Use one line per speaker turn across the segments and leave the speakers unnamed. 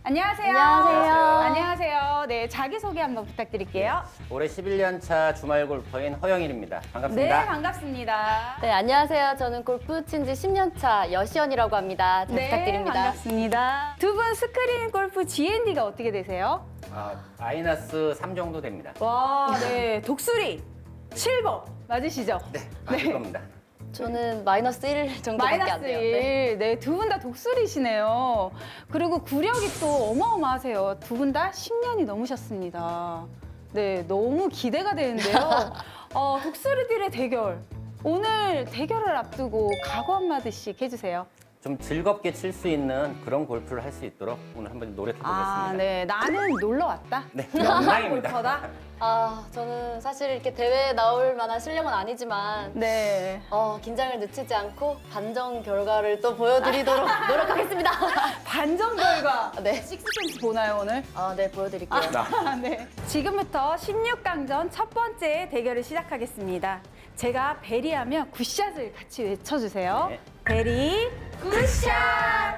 안녕하세요.
안녕하세요.
안녕하세요. 네, 자기소개 한번 부탁드릴게요.
올해 11년 차 주말 골퍼인 허영일입니다.
네,
반갑습니다.
반갑습니다.
네, 안녕하세요. 저는 골프 친 지 10년 차 여시연이라고 합니다. 잘 부탁드립니다.
반갑습니다. 두 분 스크린 골프 GND가 어떻게 되세요?
마이너스 3 정도 됩니다.
와, 네, 독수리 7번 맞으시죠?
네, 맞을 겁니다.
저는 마이너스 1 정도밖에 안
마이너스
돼요.
1. 네, 두 분 다 독수리시네요. 그리고 구력이 또 어마어마하세요. 두 분 다 10년이 넘으셨습니다. 네, 너무 기대가 되는데요. 독수리들의 대결. 오늘 대결을 앞두고 각오 한마디씩 해주세요.
좀 즐겁게 칠 수 있는 그런 골프를 할 수 있도록 오늘 한번 노력해 보겠습니다.
네, 나는 놀러 왔다.
네, 영광입니다.
골퍼다.
저는 사실 이렇게 대회에 나올 만한 실력은 아니지만
네.
긴장을 늦추지 않고 반정 결과를 또 보여드리도록 노력하겠습니다.
반전 결과.
네.
식스센스 보나요, 오늘?
네, 보여드릴게요.
네. 지금부터 16강전 첫 번째 대결을 시작하겠습니다. 제가 베리하면 굿샷을 같이 외쳐주세요.
네.
베리 굿샷!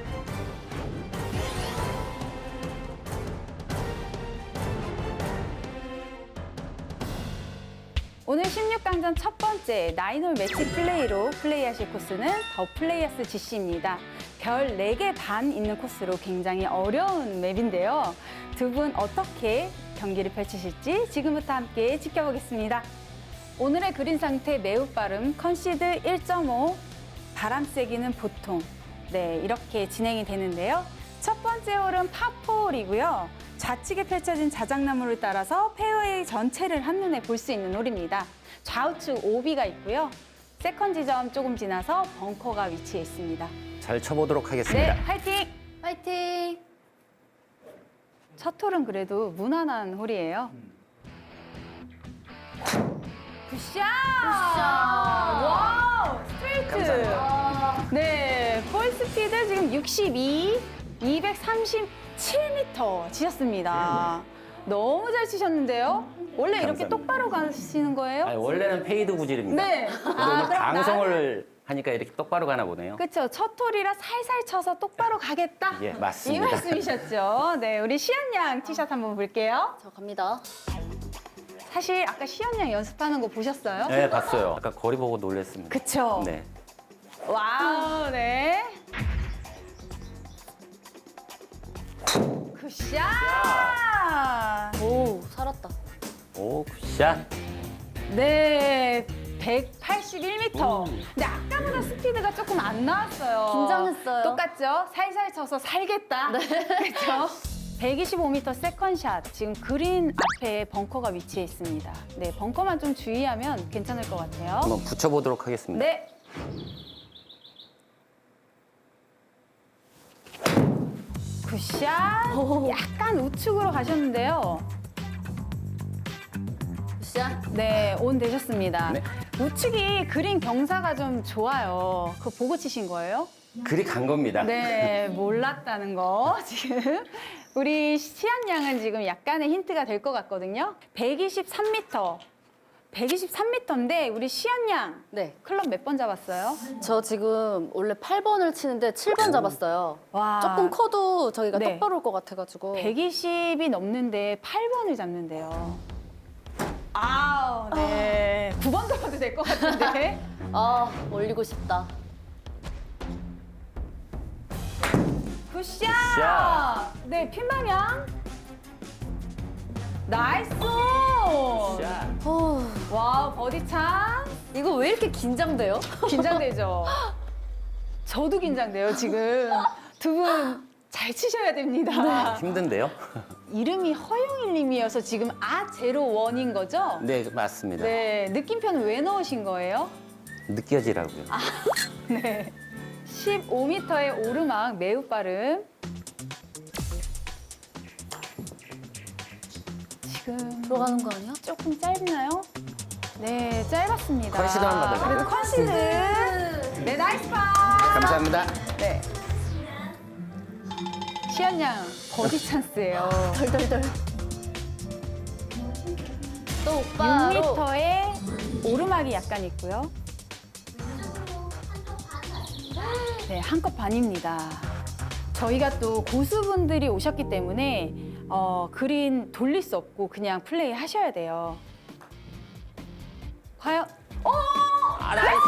오늘 16강전 첫 번째 나인홀 매치 플레이로 플레이하실 코스는 더 플레이어스 GC입니다. 별 4개 반 있는 코스로 굉장히 어려운 맵인데요. 두 분 어떻게 경기를 펼치실지 지금부터 함께 지켜보겠습니다. 오늘의 그린 상태 매우 빠름, 컨시드 1.5, 바람 세기는 보통. 네, 이렇게 진행이 되는데요. 첫 번째 홀은 파4홀이고요. 좌측에 펼쳐진 자작나무를 따라서 페어웨이 전체를 한눈에 볼 수 있는 홀입니다. 좌우측 오비가 있고요. 세컨 지점 조금 지나서 벙커가 위치해 있습니다.
잘 쳐보도록
네,
하겠습니다.
화이팅!
화이팅!
첫 홀은 그래도 무난한 홀이에요. 굿샷! 와우! 스트레이트!
감사합니다.
네, 볼 스피드 지금 62, 237m 치셨습니다. 너무 잘 치셨는데요? 원래 이렇게
감사합니다.
똑바로 가시는 거예요?
원래는 페이드 구질입니다.
네.
근데 오늘
그럼
방송을 하니까 이렇게 똑바로 가나 보네요.
그렇죠. 첫 홀이라 살살 쳐서 똑바로 가겠다.
예,
이
맞습니다.
말씀이셨죠. 네, 우리 시연 양 티샷 한번 볼게요.
저 갑니다.
사실 아까 시연 양 연습하는 거 보셨어요?
네, 봤어요. 아까 거리 보고 놀랐습니다.
그쵸.
네.
와우, 네. 굿샷!
오, 살았다.
오, 굿샷.
네, 181m.
오.
근데 아까보다 스피드가 조금 안 나왔어요.
긴장했어요.
똑같죠? 살살 쳐서 살겠다. 그렇죠? 125m 세컨샷. 지금 그린 앞에 벙커가 위치해 있습니다. 네, 벙커만 좀 주의하면 괜찮을 것 같아요.
한번 붙여보도록 하겠습니다.
네. 굿샷. 약간 우측으로 가셨는데요.
굿샷.
네, 온 되셨습니다.
네.
우측이 그린 경사가 좀 좋아요. 그거 보고 치신 거예요?
그리 간 겁니다.
네, 몰랐다는 거 지금. 우리 시안 양은 지금 약간의 힌트가 될 것 같거든요. 123m. 123m인데 우리 시안 양
네.
클럽 몇 번 잡았어요?
저 지금 원래 8번을 치는데 7번 잡았어요.
와.
조금 커도 저기가
네.
똑바로 올 것 같아가지고.
120이 넘는데 8번을 잡는데요. 아우, 네. 9번 잡아도 될 것 같은데.
올리고 싶다.
굿샷!
굿샷!
네, 핀 방향. 나이스!
굿샷.
와우, 버디 찬.
이거 왜 이렇게 긴장돼요?
긴장되죠? 저도 긴장돼요, 지금. 두 분 잘 치셔야 됩니다.
힘든데요?
이름이 허영일 님이어서 지금 아01인 거죠?
네, 맞습니다.
네, 느낌표는 왜 넣으신 거예요?
느껴지라고요.
네. 15m의 오르막 매우 빠름. 지금
들어가는 거 아니야?
조금 짧나요? 네, 짧았습니다.
컨시드만 받아요.
그래도 컨시드. 네, 나이스 파.
감사합니다.
네. 시연 양 버디 찬스예요.
덜덜덜. 또 오빠로.
6m의 오르막이 약간 있고요. 네, 한 컵 반입니다. 저희가 또 고수분들이 오셨기 때문에 그린 돌릴 수 없고 그냥 플레이 하셔야 돼요. 과연?
아, 나이스!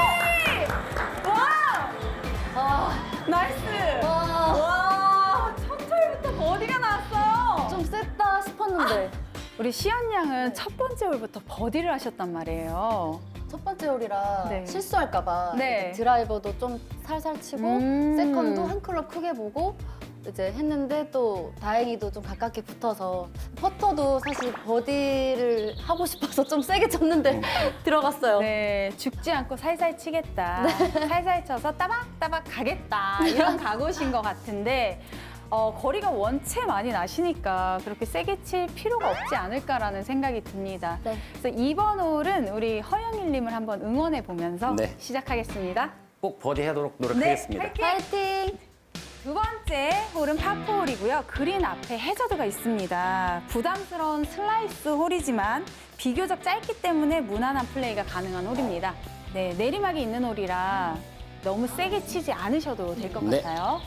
와!
아,
나이스!
와,
와! 첫 홀부터 버디가 나왔어요.
좀 셌다 싶었는데.
우리 시연 양은 첫 번째 홀부터 버디를 하셨단 말이에요.
첫 번째 홀이라
네.
실수할까봐
네.
이렇게 드라이버도 좀 살살 치고 세컨도 한 클럽 크게 보고 이제 했는데 또 다행히도 좀 가깝게 붙어서 퍼터도 사실 버디를 하고 싶어서 좀 세게 쳤는데 들어갔어요.
네, 죽지 않고 살살 치겠다. 살살 쳐서 따박따박 가겠다. 이런 각오신 것 같은데 거리가 원체 많이 나시니까 그렇게 세게 칠 필요가 없지 않을까라는 생각이 듭니다.
네.
그래서 이번 홀은 우리 허영일님을 한번 응원해 보면서
네.
시작하겠습니다.
꼭 버디 하도록 노력하겠습니다.
네,
파이팅!
두 번째 홀은 파4홀이고요. 그린 앞에 해저드가 있습니다. 부담스러운 슬라이스 홀이지만 비교적 짧기 때문에 무난한 플레이가 가능한 홀입니다. 네, 내리막이 있는 홀이라 너무 세게 치지 않으셔도 될 것
네.
같아요.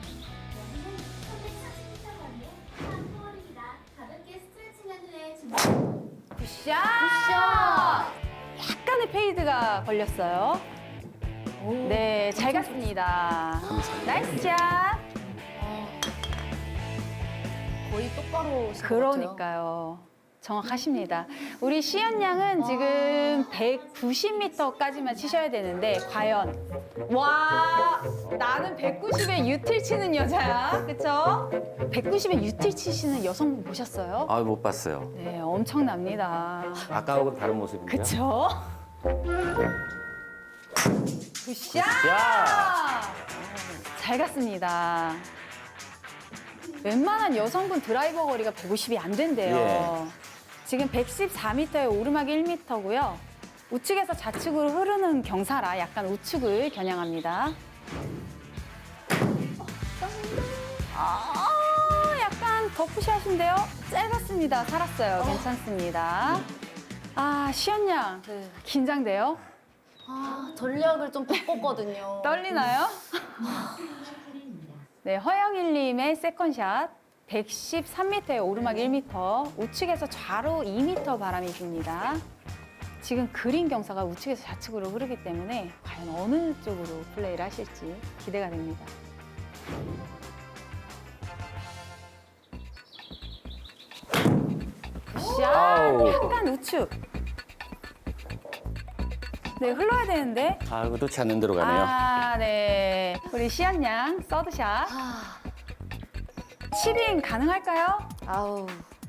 가볍게 스트레칭한 후에 준비.
굿샷! 약간의 페이드가 걸렸어요. 네, 잘 갔습니다. 나이스 샷!
거의 똑바로 치는 것 같아요.
그러니까요. 정확하십니다. 우리 시연 양은 지금 190m까지만 치셔야 되는데 과연 와 나는 190에 유틸 치는 여자야, 그쵸? 190에 유틸 치시는 여성분 보셨어요?
아, 못 봤어요.
네, 엄청납니다.
아까하고는 다른 모습인데요.
그쵸? 굿샷!
야!
잘 갔습니다. 웬만한 여성분 드라이버 거리가 150이 안 된대요. 지금 114m에 오르막이 1m고요. 우측에서 좌측으로 흐르는 경사라 약간 우측을 겨냥합니다. 약간 더프샷인데요. 짧았습니다. 살았어요. 괜찮습니다. 아, 시연 양.
네.
긴장돼요?
아, 전략을 좀 바꿨거든요.
떨리나요? 네, 허영일님의 세컨샷. 113m에 오르막 1m, 우측에서 좌로 2m 바람이 붑니다. 지금 그린 경사가 우측에서 좌측으로 흐르기 때문에 과연 어느 쪽으로 플레이를 하실지 기대가 됩니다. 굿샷!
아우.
약간 우측. 네, 흘러야 되는데.
아, 의도치 않는 대로 가네요.
아, 네. 우리 시연 양 서드샷.
아,
7인 가능할까요?
아우.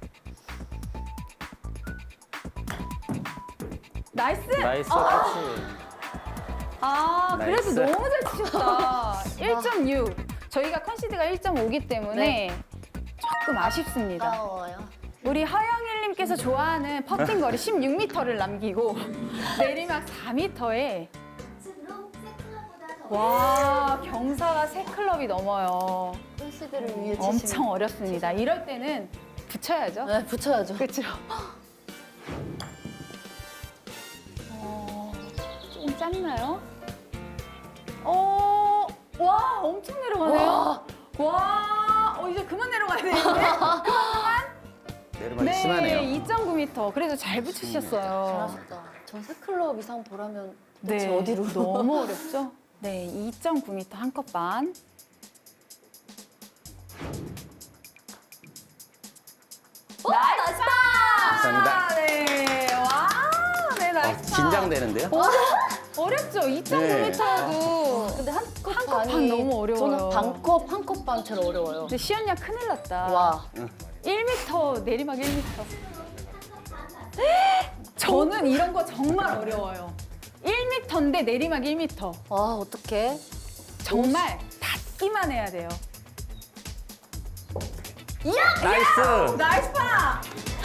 나이스!
나이스 터치.
아, 그래도
나이스.
너무 잘 치셨다. 1.6. 저희가 컨시드가 1.5기 때문에 조금 아쉽습니다.
아까워요.
우리 허영일님께서 좋아하는 퍼팅 거리 16m를 남기고 내리막 4m에
우측으로 세 클럽보다 더
와, 경사가 3클럽이 넘어요.
컨시드를 위해 치시는.
엄청 어렵습니다. 이럴 때는 붙여야죠.
네, 붙여야죠.
그렇죠. 조금 짧나요? 와, 엄청 내려가네요. 와, 이제 그만 내려가야 되는데.
내리막이 심하네요.
2.9m. 그래도 잘 붙이셨어요.
잘하셨다. 전 세 클럽 이상 보라면
네,
대체 어디로?
너무 어렵죠? 네, 2.9m 한 컵 반. 나이스 파!
감사합니다.
네, 와, 네, 나이스 파.
긴장되는데요?
어렵죠? 2.9m도.
근데 한컵
한컵 반 너무 어려워요.
저는 반컵, 한 컵 반 제일 어려워요.
근데 시연 양 큰일 났다.
와.
1m, 내리막 1m. 저는 이런 거 정말 어려워요. 1m인데 내리막 1m.
와, 어떡해.
정말 닿기만 해야 돼요.
나이스!
나이스 파!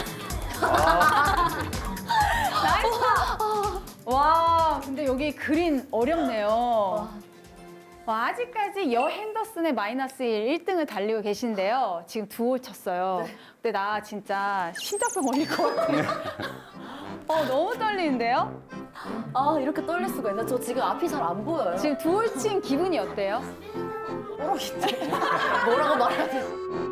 나이스 파! 와, 근데 여기 그린 어렵네요. 와, 아직까지 여 핸더슨의 마이너스 1등을 달리고 계신데요. 지금 2홀 쳤어요. 근데 나 진짜 심장병 걸릴 것 같아요. 너무 떨리는데요?
아, 이렇게 떨릴 수가 있나? 저 지금 앞이 잘 안 보여요.
지금 2홀 친 기분이 어때요?
뽀록인데. 뭐라고 말해야 돼?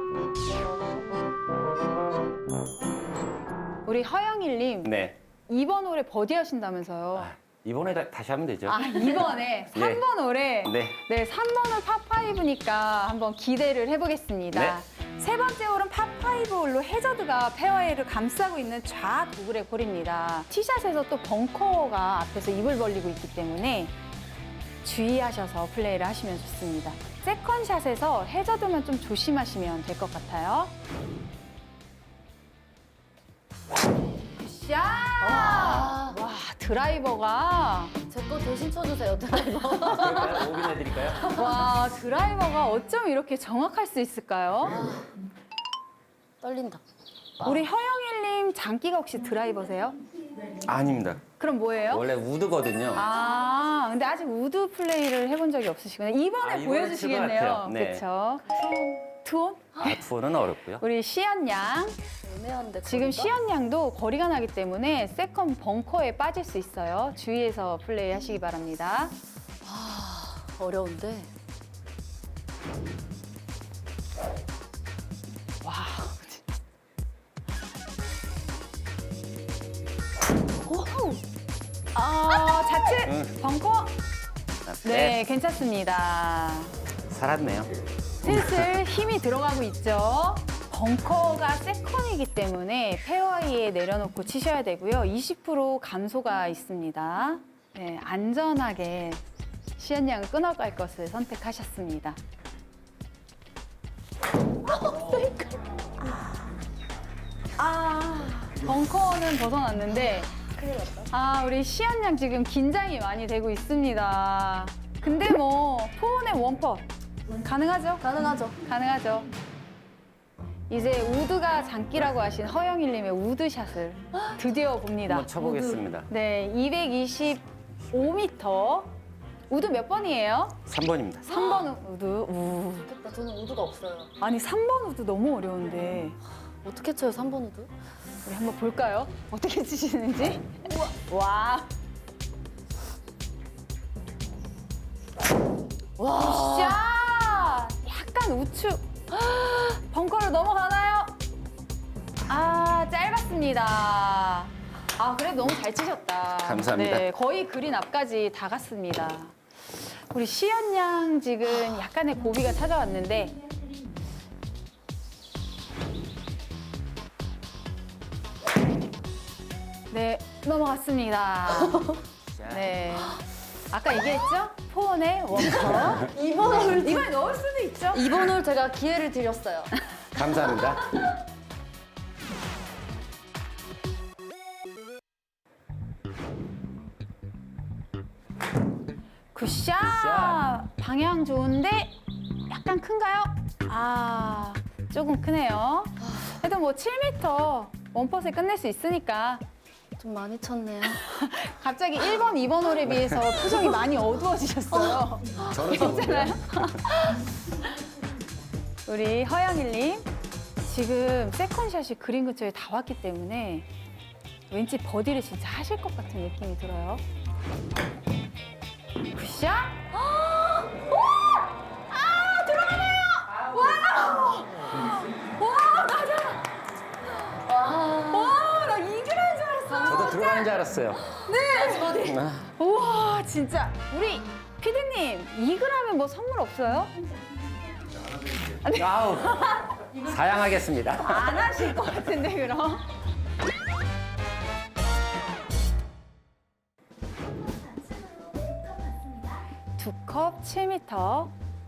우리 허영일님
네.
이번 홀에 버디 하신다면서요.
이번에 다시 하면 되죠.
아, 이번에 3번 홀에
네.
네, 3번 홀 파5니까 한번 기대를 해보겠습니다.
네.
세 번째 홀은 파5 홀로 해저드가 페어웨이를 감싸고 있는 좌도그렉 홀입니다. 티샷에서 또 벙커가 앞에서 입을 벌리고 있기 때문에 주의하셔서 플레이를 하시면 좋습니다. 세컨샷에서 해저드만 좀 조심하시면 될 것 같아요. 굿샷!
와,
와, 드라이버가
제 거 대신 쳐주세요, 드라이버.
그럴까요? 오긴 해드릴까요?
와, 드라이버가 어쩜 이렇게 정확할 수 있을까요?
떨린다.
우리 허영일님 장기가 혹시 드라이버세요?
아닙니다.
그럼 뭐예요?
원래 우드거든요.
아, 근데 아직 우드 플레이를 해본 적이 없으시구나. 이번에
이번에
보여주시겠네요.
칠것 같아요. 네.
그렇죠. 투혼?
투어는 어렵고요.
우리 시연 양.
애매한데.
지금
거리가?
시연 양도 거리가 나기 때문에 세컨 벙커에 빠질 수 있어요. 주의해서 플레이 하시기 바랍니다.
어려운데.
와. 좌측
응.
벙커. 네, 괜찮습니다.
살았네요.
슬슬 힘이 들어가고 있죠. 벙커가 세컨이기 때문에 페어웨이에 내려놓고 치셔야 되고요. 20% 감소가 있습니다. 네, 안전하게 시연 양을 끊어갈 것을 선택하셨습니다. 벙커는 벗어났는데
큰일 났다.
우리 시연 양 지금 긴장이 많이 되고 있습니다. 근데 뭐 포온의 원퍼 가능하죠?
가능하죠.
가능하죠. 이제 우드가 장기라고 하신 허영일님의 우드샷을 드디어 봅니다.
한번 쳐보겠습니다.
네, 225m. 우드 몇 번이에요?
3번입니다.
3번 우드. 우.
좋겠다. 저는 우드가 없어요.
아니, 3번 우드 너무 어려운데.
어떻게 쳐요, 3번 우드?
우리 한번 볼까요? 어떻게 치시는지? 와.
와.
샷! 약간 우측. 벙커를 넘어가나요? 짧았습니다. 그래도 너무 잘 치셨다.
감사합니다.
네, 거의 그린 앞까지 다 갔습니다. 우리 시연 양 지금 약간의 고비가 찾아왔는데 네, 넘어갔습니다. 네. 아까 얘기했죠? 포원의 원커. 이번에 넣을 수도 있죠?
이번 홀 제가 기회를 드렸어요.
감사합니다.
굿샷!
굿샷.
방향 좋은데 약간 큰가요? 조금 크네요. 그래도 뭐 7m 원퍼스에 끝낼 수 있으니까
좀 많이 쳤네요.
갑자기 1번, 2번 홀에 비해서 표정이 많이 어두워지셨어요.
저는
괜찮아요? 우리 허영일님 지금 세컨샷이 그린 근처에 다 왔기 때문에 왠지 버디를 진짜 하실 것 같은 느낌이 들어요. 굿샷! 나 이글인 줄 알았어.
저도 들어가는 줄 알았어요.
우와, 진짜. 우리 피디님, 이글하면 뭐 선물 없어요?
아우, 사양하겠습니다.
안 하실 것 같은데, 그럼?
좌측으로 9컵 맞습니다.
두 컵 7m.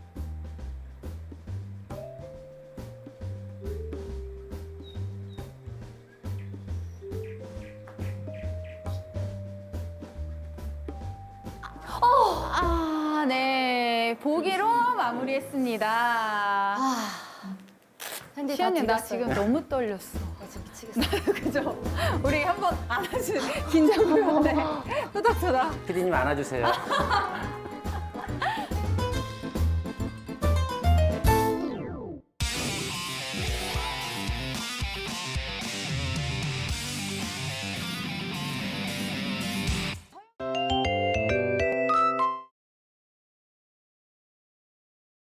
네. 보기로 마무리했습니다.
핸디 다
시연님, 나
드렸어요.
지금 너무 떨렸어.
나 지금 미치겠어.
그죠? 우리 한번 안아주 긴장 보였네. 토닥토닥.
피디님 안아주세요.